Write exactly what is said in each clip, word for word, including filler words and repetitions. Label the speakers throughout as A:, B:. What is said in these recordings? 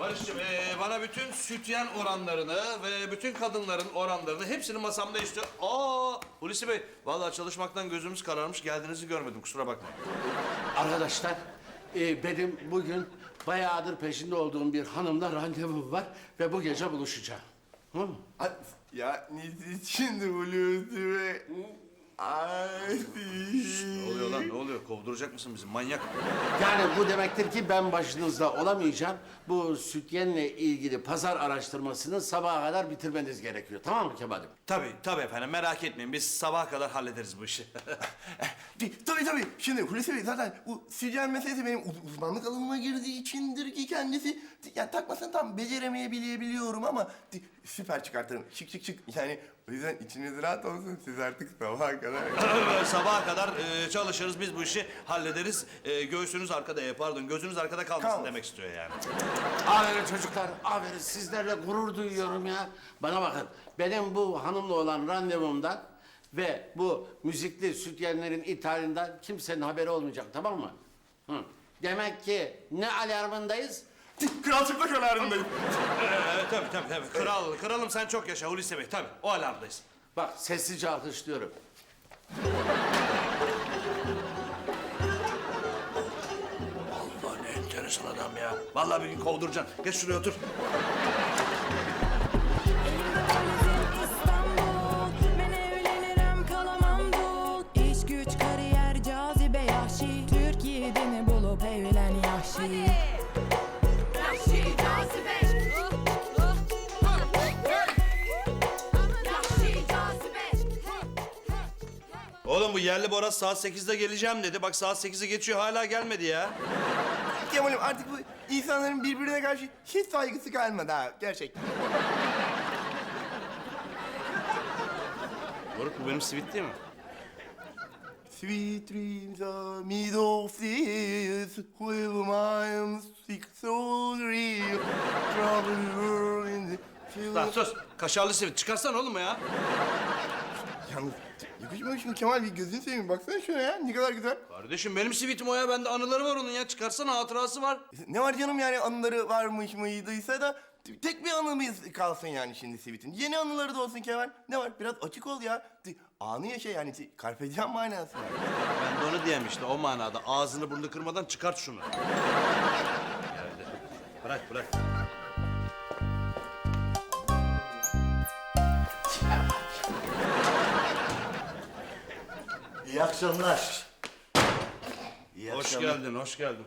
A: Barış'cığım ee, bana bütün sütyen oranlarını ve bütün kadınların oranlarını hepsini masamda istiyorum. Aa Hulusi Bey, vallahi çalışmaktan gözümüz kararmış, geldiğinizi görmedim, kusura bakmayın.
B: Arkadaşlar, e, benim bugün bayağıdır peşinde olduğum bir hanımla randevum var ve bu gece buluşacağım. Hı mı?
C: Ay, ya ne için Hulusi Bey? Ay.
A: Ne oluyor lan, ne oluyor? Kovduracak mısın bizi, manyak?
B: Yani bu demektir ki ben başınızda olamayacağım. Bu sütyenle ilgili pazar araştırmasını sabaha kadar bitirmeniz gerekiyor. Tamam mı Kemal'im?
A: Tabii, tabii efendim, merak etmeyin. Biz sabaha kadar hallederiz bu işi.
C: Tabii tabii. Şimdi Hulusi Bey zaten bu sütyen meselesi benim uz- uzmanlık alanıma girdiği içindir ki kendisi. Yani takmasını tam beceremeyebiliyorum ama süper çıkartırım. Şık şık şık. Yani o yüzden içiniz rahat olsun. Siz artık sabaha kadar...
A: Sabaha kadar e, çalışırız, biz bu işi hallederiz. E, göğsünüz arkada, e, pardon, gözünüz arkada kalmasın
C: Kalmasın.
A: demek istiyor yani.
B: Aferin çocuklar, aferin. Sizlerle gurur duyuyorum ya. Bana bakın, benim bu hanımla olan randevumdan ve bu müzikli sütyenlerin ithalinden kimsenin haberi olmayacak, tamam mı? Hı. Demek ki ne alarmındayız?
C: Kral çıplak alarmındayım.
A: Evet, tabii tabii tabii. Kral, kralım sen çok yaşa Hulusi Bey, tabii. O alarmdayız.
B: Bak, sessizce alkışlıyorum.
A: Allah ne enteresan adam ya. Vallahi bir gün kovduracaksın. Geç şuraya otur.
D: İstanbul, ben evlenirim kalamam dul. İş güç kariyer cazibe yahşi. Türkiye'de mi bulup evlen yahşi.
E: Yahşi cazibe. Yahşi cazibe.
A: Oğlum bu yerli Boraz saat sekizde geleceğim dedi. Bak saat sekizi geçiyor, hala gelmedi ya.
C: Kemal'im artık bu insanların birbirine karşı hiç saygısı kalmadı ha. Gerçekten.
A: Moruk, bu benim sivit değil mi?
C: Sweet dreams are made of this, with my sick so real, trouble world in the
A: Lan sus. Kaşarlı sivit. Çıkarsana oğlum ya.
C: Yalnız yakışmıyor şimdi Kemal, bir gözünü seveyim, baksana şuna ya, ne kadar güzel.
A: Kardeşim benim sivitim o ya. Bende anıları var onun ya. Çıkarsana, hatırası var.
C: Ne var canım yani, anıları varmış mıydıysa da tek bir anımız kalsın yani şimdi Sweet'in. Yeni anıları da olsun Kemal. Ne var, biraz açık ol ya. Anı yaşa yani, carpe diem manası.
A: Ben de onu diyeyim işte, o manada. Ağzını burnunu kırmadan çıkart şunu. Geldi. Bırak bırak.
F: İyi akşamlar. İyi
A: Hoş
F: akşamlar.
A: geldin, hoş geldin.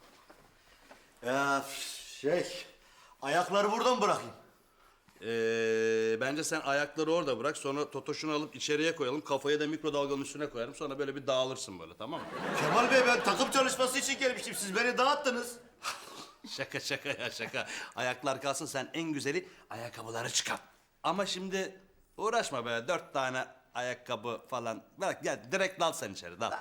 F: Ya şey, ayakları buradan bırakayım.
A: Ee, bence sen ayakları orada bırak. Sonra totoşunu alıp içeriye koyalım. Kafayı da mikrodalganın üstüne koyarım. Sonra böyle bir dağılırsın böyle, tamam mı?
F: Kemal Bey, ben takım çalışması için gelmiştim. Siz beni dağıttınız.
A: Şaka şaka ya şaka. Ayaklar kalsın, sen en güzeli ayakkabıları çıkart. Ama şimdi uğraşma be, dört tane ayakkabı falan. Bırak gel, direkt dal sen içeri, dal.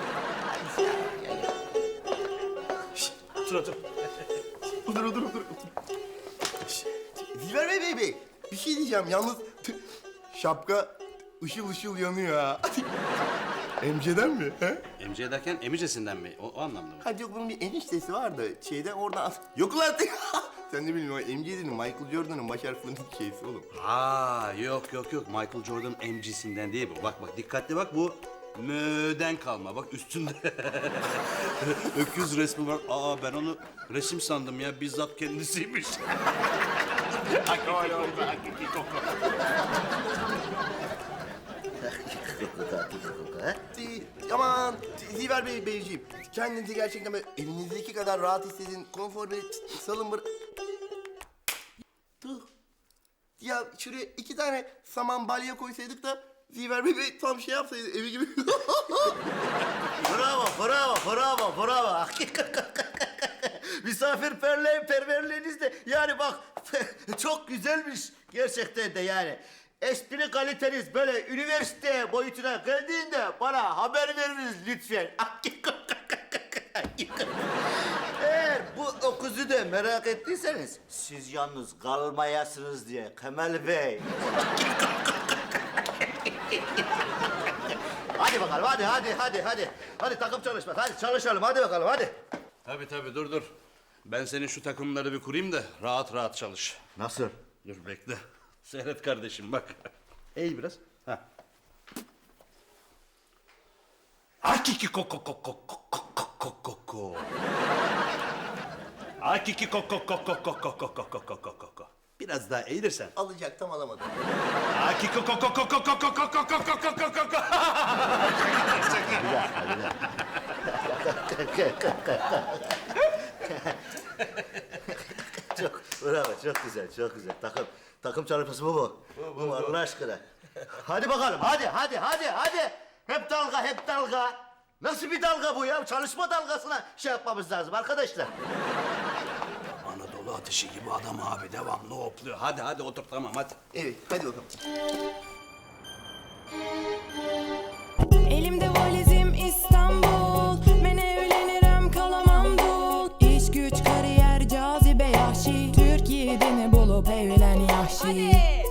A: Şişt, otur otur.
C: Otur otur otur. Şşş, Dilber Bey Bey Bey, bir şey diyeceğim yalnız şapka ışıl ışıl yanıyor ha. Emce'den mi? He?
A: Emce derken emicesinden mi? O, o anlamda mı?
C: Hadi yok, bunun bir eniştesi vardı. Şeyden oradan as... Yok lan! Sen ne bileyim, o M C'nin Michael Jordan'ın baş harflerinin şeysi oğlum.
A: Ha yok yok yok, Michael Jordan emcisinden değil bu. Bak bak, dikkatli bak, bu möden kalma. Bak üstünde öküz resmi var. Aa, ben onu resim sandım ya, bizzat kendisiymiş. Hakiki koku, hakiki koku.
C: Di- Aman Dilber Bey Beyciğim, kendinizi gerçekten böyle elinizdeki kadar rahat hissedin. Konfor ve salın bır... Tuh. Ya şuraya iki tane saman balya koysaydık da Dilber Bey Bey tam şey yapsaydı, evi gibi.
F: Bravo, bravo, bravo, bravo. Misafirperverliğiniz de yani bak çok güzelmiş gerçekten de yani. Espri kaliteniz böyle üniversite boyutuna geldiğinde bana haber veriniz lütfen. Eğer bu okuzu da merak ettiyseniz siz yalnız kalmayasınız diye Kemal Bey. Hadi bakalım, hadi, hadi, hadi, hadi. Hadi takım çalışmak, hadi çalışalım, hadi bakalım, hadi.
A: Tabii tabii, dur dur. Ben senin şu takımları bir kurayım da rahat rahat çalış.
F: Nasıl?
A: Dur bekle. Seyret kardeşim bak. Eğil biraz. Ha. Akiki koko koko koko koko koko. Akiki koko koko koko koko koko koko. Biraz daha eğilirsen.
C: Alacaktım alamadım.
A: Akiki koko koko koko koko koko koko koko.
F: Çok bravo, çok güzel, çok güzel. Takım takım çalışması bu mu? Bu mu Allah aşkına? Hadi bakalım, hadi, hadi, hadi, hadi. Hep dalga, hep dalga. Nasıl bir dalga bu ya? Çalışma dalgasına şey yapmamız lazım arkadaşlar.
A: Anadolu ateşi gibi adam abi devamlı hopluyor. Hadi hadi otur tamam hadi.
C: Evet, hadi bakalım.
D: Elimde valizim İstanbul. Ben evlenirim kalamam dul. İş güç kariyer cazibe yahşi. Türk yiğidini bulup evlen yahşi.